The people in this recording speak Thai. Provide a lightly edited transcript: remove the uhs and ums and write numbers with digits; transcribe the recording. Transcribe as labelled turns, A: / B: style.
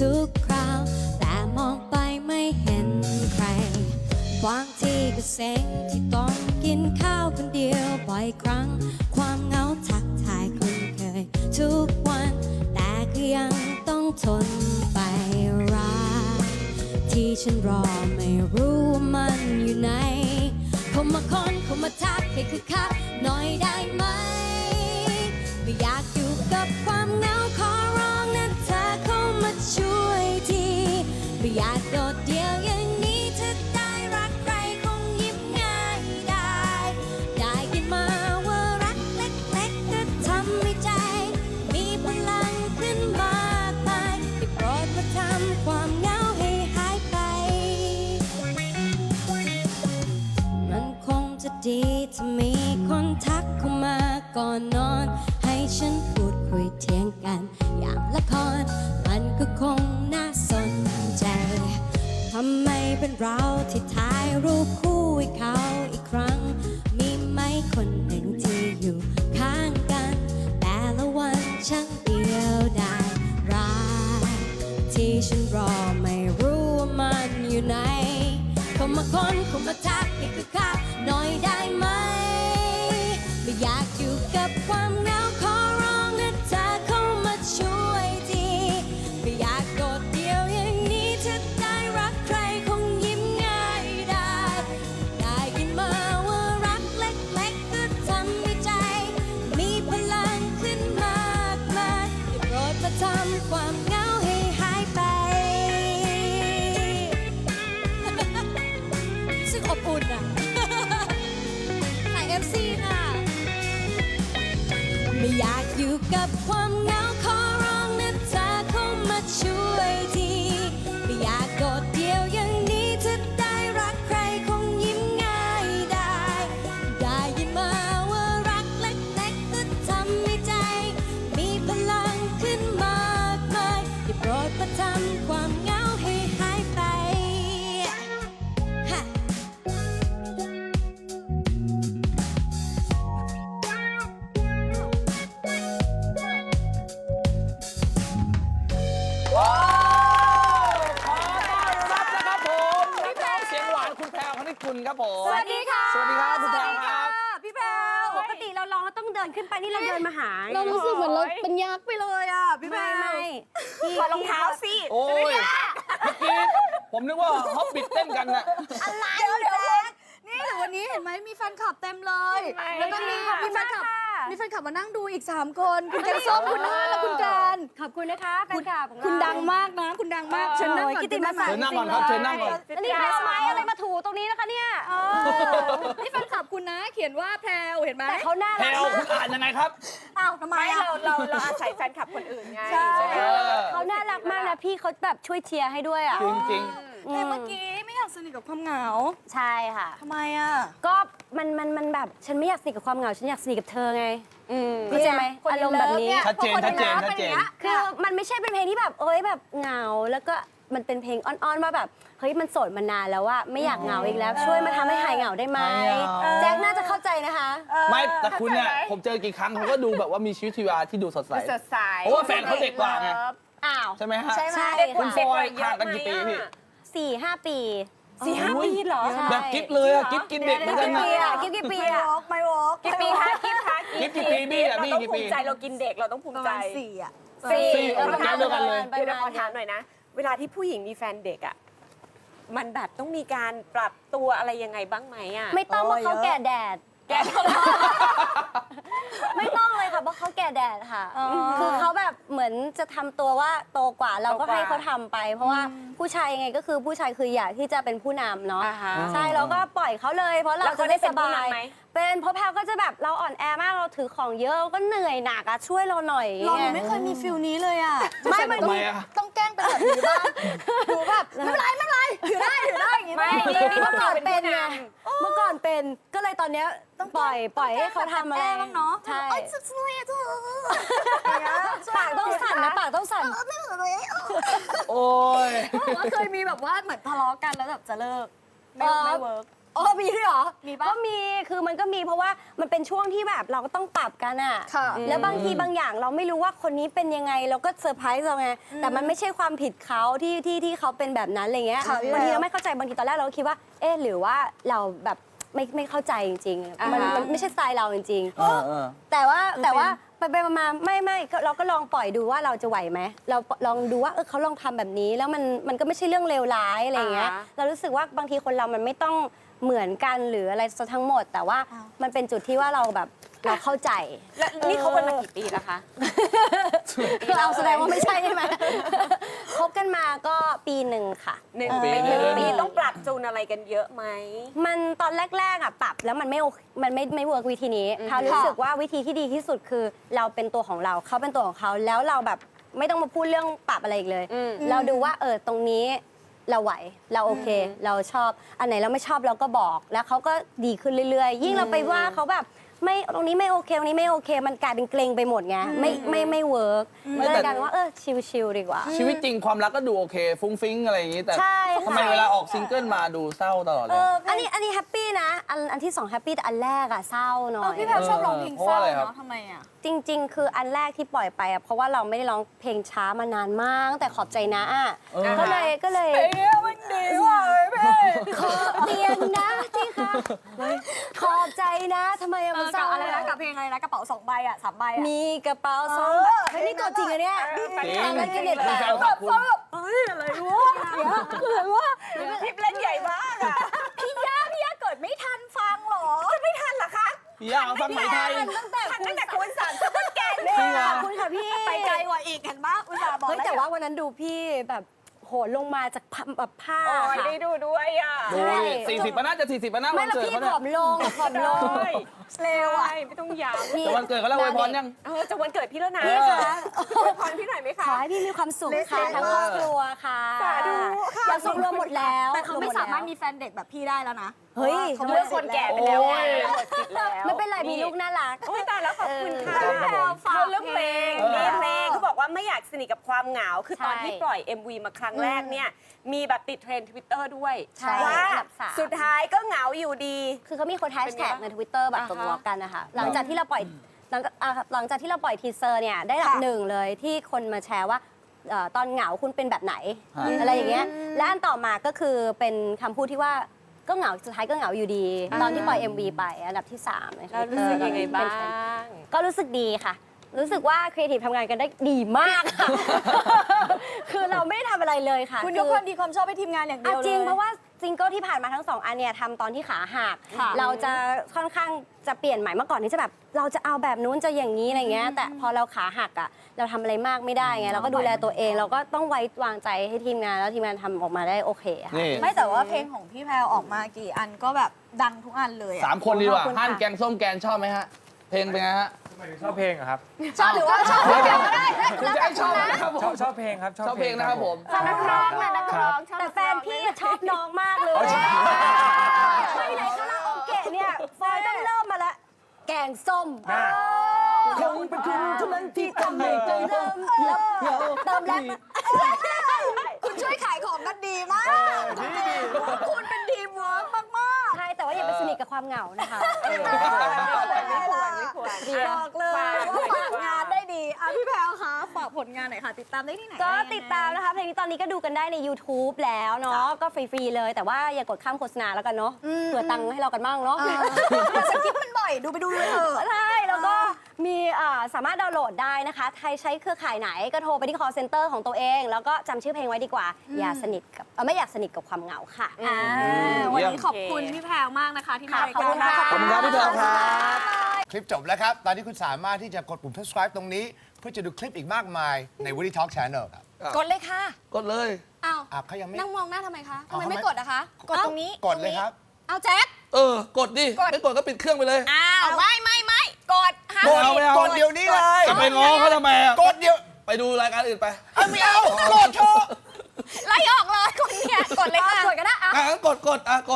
A: ทุกคราวแต่มองไปไม่เห็นใครบางทีก็เซ็งที่ต้องกินข้าวคนเดียวบ่อยครั้งความเหงาทักทายคุ้นเคยทุกวันแต่ก็ยังต้องทนไปรักที่ฉันรอไม่รู้ว่ามันอยู่ไหนเข้ามาคนเข้ามาทักให้คือคักหน่อยได้ไหมไม่อยากอยู่กับความเหงาขอร้องนะเธอเข้ามาช่วยทีไม่อยากโดดเดี่ยวอย่างนี้ถ้าได้รักใครคงยิ้มง่ายได้ยินมาว่ารักเล็กๆก็ทำให้ใจมีพลังขึ้นมากมายได้โปรดมาทำความเหงาให้หายไปมันคงจะดีถ้ามีคนทักเข้ามาก่อนนอนให้ฉันพูดคุยเถียงกันอย่างละครมันก็คงน่าสนใจทำไมเป็นเราที่ถ่ายรูปคู่ให้เขาอีกครั้งมีไหมคนหนึ่งที่อยู่ข้างกันแต่ละวันช่างเดียวดายรักที่ฉันรอไม่รู้ว่ามันอยู่ไหนเข้ามาคนเข้ามาทักให้คือคักหน่อยได้ไหมไม่อยากอยู่กับความเหงาขอร้องนะเธอเข้ามาช่วยทีไม่อยากโดดเดี่ยวอย่างนี้ถ้าได้รักใครคงยิ้มง่ายได้ยินมาว่ารักเล็กๆก็ทำให้ใจมีพลังขึ้นมากมายได้โปรดมาทำความเหงาให้หายไปซึ่งอบอุ่นอ่ะใส่MC ค่ะไม่อยากอยู่กับความเหงาขอร้องนะเธอเข้ามาช่วยทีไม่อยากโดดเดี่ยวอย่างนี้ถ้าได้รักใครคงยิ้มง่ายได้ยินมาว่ารักเล็กๆก็ทำให้ใจมีพลังขึ้นมากมายได้โปรดมาทำความเหงาให้หายไปฮะ
B: ขอต้อนรับนะครับผมนักร้องเสียงหวานคุณแพรวคณิตกุลครับผม
C: สวัสดีค่ะ
B: สวัสดีครับคุณแพรวครับ
C: พี่แพรวปกติเราร้องเราต้องเดินขึ้นไปนี่เราเดินมาหา
D: เรารู้สึกเหมือนเราเป็นยักษ์ไปเลยอ่ะพี่แพร
C: ไม่
D: ถอดรองเท้าสิ
B: โอ้ยเมื่อกี้ผมนึกว่าฮอปปิดเต้นกันน่ะ
D: อะไรเดี๋ยวนี่หรือวันนี้เห็นไหมมีแฟนคลับเต็มเลย แล้วก็มีแฟนคลับมานั่งดูอีก3คนคุณแกงส้มคุณน้าและคุณการ
C: ขอบคุณนะคะแฟนคลับของเรา
D: คุณดังมากนะคุณดังมากเชิญนั่งก่อน
C: กิตติมศักดิ์
B: เชิญนั่งก่อนครับเชิญนั่งก่อน
C: อันนี้เอาไม้อะไรมาถูตรงนี้นะคะเนี่ย
D: นี่แฟนคลับคุณนะเขียนว่าแพรวเห็นไหม
C: แต่เขาน่า
B: แพร
C: รัก
B: วคุณอ่านยังไงครับ
D: อ้าวทำไม
E: ไม่
D: อ่ะ
E: เราอาศัยแฟนคลับคนอื่นไง
D: ใช่
E: ใช่ไหม
C: เขาน่ารักมากนะพี่เขาแบบช่วยเชียร์ให้ด้วยอ่ะ
B: จริง
D: แต่เมื่อกี้ไม่อยากสนิทกับความเหงา
C: ใช่ค่ะ
D: ทำไมอ่ะ
C: ก็มันแบบฉันไม่อยากสนิทกับความเหงาฉันอยากสนิทกับเธอไงเข้าใจไหมอารมณ์แบบนี้
B: ชัดเจนชัดเจนชัดเจน
C: คือมันไม่ใช่เป็นเพลงที่แบบเอ้ยแบบเหงาแล้วก็มันเป็นเพลงอ้อนๆว่าแบบเฮ้ยมันโสดมานานแล้วว่าไม่อยากเหงาอีกแล้ว ช่วยมาทำให้หายเหงาได้ไหม
B: ไม่เอา
C: แจ็คน่าจะเข้าใจนะคะ
B: ๆ ไม่แต่คุณเนี่ยผมเจอกี่ครั้งเขาก็ดูแบบว่ามีชีวิตชีวาที่ดูสดใส
E: สดใส
B: เพราะว่าแฟนเขาเด็กกว่าไง
C: อ้าว
B: ใช่ไหมฮะ
C: ใช่ไหม
B: คุณฟอยห่างกันกี่ปีพี่
C: 4-5 ปี
E: 4-5 ปีเหรอ
C: ใช่
B: แบบกิ๊บเลยอะกิ๊บกินเด็กเหมือนกัน
C: กี่
B: นะ
C: ปีอะกี่ปีอะ
D: ไม่วอล์ก
E: กี่ปีคะกิ๊บคะ
B: กิ๊บกี่ปีบี้อะบี้
E: เราต้อง
B: กี่
E: ภู
B: ปี
E: มิใจเรากินเด็กเราต้องภู
D: ป
E: มิ
D: ระ
E: ใจ
D: มาณ4อ่ะ
B: สี่เอาแก้วเดียวกันเลย
E: เดี๋ยวขอถามหน่อยนะ เวลาที่ผู้หญิงมีแฟนเด็กอ่ะมันแบบต้องมีการปรับตัวอะไรยังไงบ้างไหมอ่ะ
C: ไม่ต้องเพราะเขาแก่แดด
E: แกเท่าไหร่
C: ไม่ต้องเลยค่ะเพราะเขาแก่แดดค่ะ คือเขาแบบเหมือนจะทำตัวว่าโตกว่าเราก็ให้เขาทำไป เพราะว่าผู้ชายยังไงก็คือผู้ชายคืออยากที่จะเป็นผู้นำเนาะ
E: อ่าฮะ
C: ใช่เราก็ปล่อยเขาเลย เพราะเรา
E: แล้ว
C: จะ
E: เขา
C: ได้
E: ได้เป็
C: ส
E: นผู้
C: บาย
E: นำไหม
C: เป็นเพราะแพลก็จะแบบเราอ่อนแอมากเราถือของเยอะเราก็เหนื่อยหนักอะช่วยเราหน่อย
D: เรา
C: ไง
D: ไม่เคยมีฟิลนี้เลยอ่ะ
C: ไม่มัน
B: ทำไมอะ
D: ต้องแกล้งเป็นแบบนี้บ้างหนูแบบไม่เป็นไรถือได้อย่างงี้
E: ไม่
C: เมื่อก่อนเป็นไง
E: ผู้ำ
C: เมื่อก่อนเป็นก็เลยตอนเนี้ยปล่อยให้เขาทำอะไร
D: บ้างเนาะ
C: ใช่
D: เอ้ยสุดๆเลยเธอ
C: ปากต้องสั่นนะปากต้องสั่น
B: โอ้ย
D: ว่าเคยมีแบบว่าเหมือนทะเลาะกันแล้วแบบจะเลิกไม่เวิร์กอ๋อมีด้วยเหรอมีปะ
C: ก็มีคือมันก็มีเพราะว่ามันเป็นช่วงที่แบบเราก็ต้องปรับกันอะ
D: ค่ะ
C: แล้วบางทีบางอย่างเราไม่รู้ว่าคนนี้เป็นยังไงเราก็เซอร์ไพรส์เราไงแต่มันไม่ใช่ความผิดเขาที่เขาเป็นแบบนั้นอะไรเงี้ย
D: ค่ะพี่
C: บางที
D: แพรว
C: เราไม่เข้าใจบางทีตอนแรกเราก็คิดว่าเอ๊ะหรือว่าเราแบบไม่เข้าใจจริงๆมันไม่ใช่สไตล์เราจริงๆแต่ว่าไปมาไม่ก็เราก็ลองปล่อยดูว่าเราจะไหวไหมเราลองดูว่าเขาลองทำแบบนี้แล้วมันก็ไม่ใช่เรื่องเลวร้ายอะไรเงี้ยเรารู้สึกว่าบางทีคนเรามันไม่ต้องเหมือนกันหรืออะไรซะทั้งหมด แต่ว่ามันเป็นจุดที่ว่าเราแบบเราเข้าใจ
E: แล้วนี่เขากันมากี่ปีแล้วคะ
C: เราแสดงว่าไม่ใช่ใช่ไหม คบกันมาก็ปีหนึ่งค่ะ
E: หนึ่ง
B: ปี
E: ปี
B: หนึ่ง
E: ปีต้องปรับจูนอะไรกันเยอะไหม
C: มันตอนแรกๆอ่ะปรับแล้วมันไม่เวิร์กวิธีนี้เขารู้สึกว่าวิธีที่ดีที่สุดคือเราเป็นตัวของเราเขาเป็นตัวของเขาแล้วเราแบบไม่ต้องมาพูดเรื่องปรับอะไรอีกเลย เราดูว่าตรงนี้เราไหวเราโอเค เราชอบอันไหนเราไม่ชอบเราก็บอกแล้วเขาก็ดีขึ้นเรื่อยๆ ยิ่งเราไปว่าเขาแบบไม่ตรงนี้ไม่โอเคตรงนี้ไม่โอเค มันกลายเป็นเกรงไปหมดไงไม่เวิร์กเลยกลายเป็นว่าชิลๆดีกว่า
B: ชีวิตจริงความรักก็ดูโอเค ฟุ้งฟิ้งอะไรอย่างนี้แต่
C: ใช่ค่ะ
B: ทำไมเวลาออกซิงเกิลมาดูเศร้าตลอดเลย
C: อันนี้แฮปปี้นะอันที่2แฮปปี้แต่อันแรกอะเศร้าหน่อย
D: พี่แพรวชอบร้องเพลงเศร้า
B: เพราะอะไรครับ
D: เนาะทำไมอ่ะ
C: จริง ๆ คืออันแรกที่ปล่อยไปอะเพราะว่าเราไม่ได้ร้องเพลงช้ามานานมากตั้งแต่ขอบใจนะอะก็เลยมันดีว่ะขอบเตียงนะที่ค่ะขอบใจนะทำไมอะมันเศร้า
D: อะไรนะกับเพลงอะไรนะกระเป๋า2 ใบอ่ะ3 ใบอ่ะ
C: มีกระเป๋า2 ใบเฮ้ยนี่ตัวจริงอะเนี่ย
B: จริง
C: แล้วก็เด็ด
B: คุณแฟนขอบคุณ
E: คลิปเล่นใหญ่มากอะ
D: พี่ย่าเกิดไม่ทันฟังหรอ
E: ไม่ทันเหรอคะ
B: พี่ย่าฟังไหมไทย
C: ตั้งแต่
E: ทันตั้งแต่คุณสามสกุลแกนเลย
B: จริงเหรอ
C: ขอบคุณค่ะพี่
D: ไปไกลกว่าอีกเห็นปะอุตส่าห์บอก
C: เฮ้ย
D: ล้
C: แต่ว่าวันนั้นดูพี่แบบโหนลงมาจากแบบผ้า
E: โอ้ย
C: ค่ะ
E: ได้ดูด้วยอ่ะ
B: ดู40ปะน่าจะ40ปะน่า
C: ไม่
B: วัน
C: แล้ว
B: เกิด
C: พี่
B: เขา
C: ผ
B: เนี่ย
C: อมลงผอมลง
E: เร็วอ่ะไม่ต้องย้ำ
B: แต่วันเกิดเขาแล้วอวยพรยัง
E: จะวันเกิดพี่แล้วนะ
C: พี่คะ
E: อวยพรพี่หน่อยไหม
C: ข
E: คะ
C: อให้พี่มีความสุขค่ะทั้งครอบครัวค่ะ
E: สาธุค่ะ
C: อยากสุขรวมหมดแล้ว
D: แต่เขาไม่สามารถมีแฟนเด็กแบบพี่ได้แล้วนะ
C: เฮ้ย
D: เขา
E: เรื่องคนแก่ไปแล้วไง
B: โอ้ย
E: หมดสิทธิ์แล้ว
C: ไม่เป็นไรมีลูกน่ารัก
E: โอ้ยตายแล้วขอบคุณค่ะ
B: ครับผม
E: คือเรื่องเพลงมีเพลงเขาบอกว่าไม่อยากสนิทกับความเหงา คือตอน
C: ใช่
E: ที่ปล่อย MV มาครั้งแรกเนี่ย มีแบบติดเทรนด์ Twitter ด้วย
C: ใช่
E: ว่า
C: อันดับ3
E: สุดท้ายก็เหงาอยู่ดี
C: คือเขามีคนแฮชแท็กใน Twitter แบบตบล้อกันนะคะหลังจากที่เราปล่อยหลังจากที่เราปล่อยทีเซอร์เนี่ยได้อันดับ
D: ค่ะ
C: 1เลยที่คนมาแชร์ว่าตอนเหงาคุณเป็นแบบไหน
B: ฮะ
C: อะไรอย่างเงี้ยและอันต่อมาก็คือเป็นคำพูดที่ว่าก็เหงาสุดท้ายก็เหงาอยู่ดี ตอนที่ปล่อย MV ไปอันดับที่3ใน
E: แล้วรู้สึกยังไงบ้าง
C: ก็รู้สึกดีค่ะ รู้สึกว่าครีเอทีฟทำงานกันได้ดีมากค่ะ คือเราไม่ได้ทำอะไรเลยค่ะ
D: คุณยกความดีความชอบให้ทีมงานอย่างเดียวเลย
C: จริงเพราะว่าซิงเกิลที่ผ่านมาทั้ง2 อันเนี่ยทำตอนที่ขาหัก
D: ค่ะ
C: เราจะค่อนข้างจะเปลี่ยนใหม่เมื่อก่อนที่จะแบบเราจะเอาแบบนู้นจะอย่างนี้อะไรเงี้ยแต่พอเราขาหักอ่ะเราทำอะไรมากไม่ได้ไงเราก็ดูแลตัวเอง เราก็ต้องไว้วางใจให้ทีมงานแล้วทีมงานทำออกมาได้โอเคค่ะ
B: นี่
D: ไม่แต่ว่าเพลงของพี่แพรวออกมากี่อันก็แบบดังทุกอันเลยอะ
B: 3 คนดีกว่า
C: ขอบคุณค่ะ
B: ฮั่นแกงส้มแกนชอบไหมฮะ เพลงเป็นไงฮะ
F: ชอบเพลงอะครับ
D: ชอบหรือว่าชอบพี่แพรวก็ได้
B: คุณจะให้ชอบนะครับผม
F: ชอบเพลงครับ
B: ชอบเพลงนะครับผม
C: ชอบนักร้องนะนักร้องแต่แฟนพี่ชอบน้องมากเลยไปไหนคาราโอเกะเนี่ยฟอยต้องเริ่มมาละแกงส้ม
B: คงเป็นคุณเท่านั้นที่ทำให้ใจผม
C: เติมแล้ว
D: คุณช่วยขายของกันดีมากคุณเป็นทีมเวิร์กมาก
C: ใช่แต่ว่าอย่าไปสนิทกับความเหงานะคะ
E: ไม่ควร
D: ๆบอกเลยว่าฝากงานได้ดีอ่ะพี่แพรวคะฝากผลงานหน่อยค่ะ ติดตามได้ที่ไหน
C: ก็ติดตามนะคะเพลงนี้ตอนนี้ก็ดูกันได้ใน YouTube แล้วเนาะก็ฟรีๆเลยแต่ว่าอย่ากดข้ามโฆษณาแล้วกันเนาะเผื่อตังค์ให้เรากันบ้างเนาะ
D: สกิปมันบ่อยดูไปดูเลยเถอะ
C: ใช่แล้วก็มีสามารถดาวน์โหลดได้นะคะใครใช้เครือข่ายไหนก็โทรไปที่ call center ของตัวเอง แล้วก็จำชื่อเพลงไว้ดีกว่า อย่าสนิทกับไม่อยากสนิทกับความเหงาค่ะ
D: วันนี้ขอบคุณพี่แพรวมากนะคะที่มา
C: ขอบคุณค่ะ
B: ขอบคุณครับพี่แพรวครับ
G: คลิปจบแล้วครับ ตอนนี้คุณสามารถที่จะกดปุ่ม subscribe ตรงนี้ เพื่อจะดูคลิปอีกมากมายใน Woody Talk Channel ครับ
D: กดเลยค่ะ
B: กดเลย
D: อ้าว
G: เขายังไม่
D: นั่งมองหน้าทำไมคะทำไม
G: เอา
D: ไม่
G: ทำไม
D: กดอะคะ กดตรงนี้
G: กดเลยครับ
D: เอาแจ็ค
B: กดดิ ไม่กดก็ปิดเครื่องไปเลย
D: อ้าวไม่กดห้าม
B: กดเอาไม่เอา
G: กดเดี๋ยวนี้เลย
B: จะไปง้อเขาทำไมอ่ะ
G: กดเดี๋ยว
B: ไปดูรายการอื่นไป
G: ไม่เอา กดเถอะ
D: ไล่ออกเลยคนเนี่ยกดเลยค่ะ
C: กดก็ได้
B: งั้นกด